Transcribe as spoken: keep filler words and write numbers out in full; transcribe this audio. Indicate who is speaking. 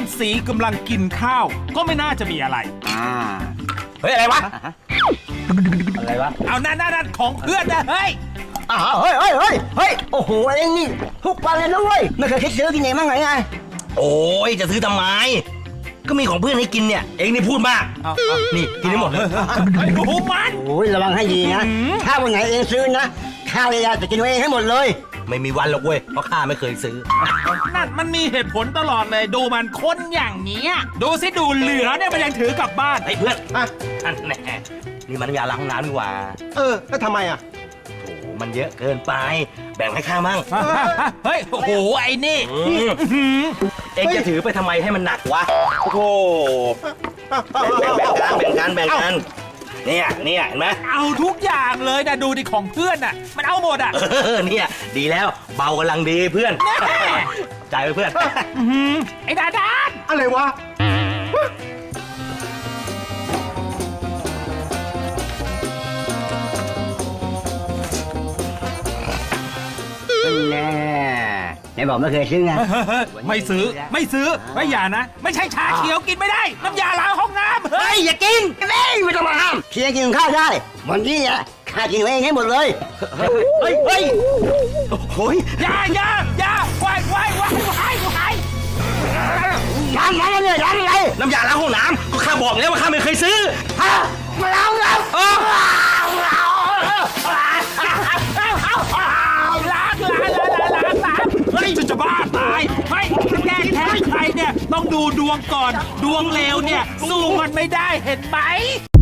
Speaker 1: สีกำลังกินข้าวก็ไม่น่าจะมีอะไร
Speaker 2: อ่า
Speaker 3: เฮ้ยอะไรวะ
Speaker 2: อะไรวะ
Speaker 1: เอานั่นนั่นของเพื่อนนะเฮ้ย
Speaker 2: อ้าวเฮ้ยเฮ้ยเฮ้ยเฮ้ยโอ้โหเอ็งนี่ทุกวันเลยนะเว้ยไม่เคยคิดซื้อกินเองมั้งไงไง
Speaker 3: โอ้ยจะซื้อทำไมก็มีของเพื่อนให้กินเนี่ยเองนี่พูดมาก
Speaker 1: เอาเอา
Speaker 3: นี่กินได้หมดเลย
Speaker 1: ไอ้หนูมัน
Speaker 2: โอ้ยระวังให้ดีนะถ้าวันไหนเองซื้อนะข้าวเลยจะกินเองให้หมดเลย
Speaker 3: ไม่มีวันหรอกเว้ยเพราะข้าไม่เคยซื้อ
Speaker 1: นั่นมันมีเหตุผลตลอดเลยดูมันคนอย่างเนี้ยดูสิดูเหลือเนี่ยมันยังถือกลับบ้าน
Speaker 3: ไอ้เพื่อน
Speaker 4: อ่ะ
Speaker 3: อันแน่นี่มันน้ำยาล้างห้องน้ำนี่หว่า
Speaker 4: เออแล้วทำไมอ่ะ
Speaker 3: โอ้มันเยอะเกินไป แบ่งให้ข้ามั่ง
Speaker 1: เฮ้ยโอ้โหไอ้นี่
Speaker 3: อืมเองจะถือไปทำไมให้มันหนักวะโอ้โหแบ่งแบ่งกันแบ่งกันแบ่งกันเนี่ยเนี่ยเห็นไหม
Speaker 1: เอาทุกอย่างเลยนะดูดิของเพื่อนน่ะมันเอาหมดอ่ะ
Speaker 3: เออเนี่ยดีแล้วเบากำลังดีเพื่อน
Speaker 1: แน่
Speaker 3: จ่ายไปเพื่อน
Speaker 1: อื้อหือไอ้ดาดาน
Speaker 4: อะไรวะ
Speaker 2: แน่ไหนบอกไม่เคยซื้อไง
Speaker 1: ไม่ซื้อไม่ซื้อไม่อย่านะ ไม่ใช่ชาเขียวกินไม่ได้ น้ำยาล้างห้องน้ำเฮ้ยอย่ากิน
Speaker 2: เฮ้ยไม่ต้องมาห้ามเพียงกินข้าวได้วันนี้อ่ะข้ากินเองให้หมดเลย
Speaker 3: เฮ้ยเฮ้ยโอ้ย
Speaker 1: อย่าอย่าอย่าไหวไหวไหวไหวไหว
Speaker 2: ร้านไหนเนี่ยร้านอะไร
Speaker 3: น้ำยาล้างห้องน้ำก็ข้าบอกแล้วว่าข้าไม่เคยซื้อ
Speaker 2: ฮะมาแล้วแล้ว
Speaker 3: เออ
Speaker 1: ล้างล้างล้างล้างล้างเฮ้ยจะบ้าตายเฮ้ยจะแก้แค้นใครเนี่ยต้องดูดวงก่อนดวงเลวเนี่ยสู้มันไม่ได้เห็นไหม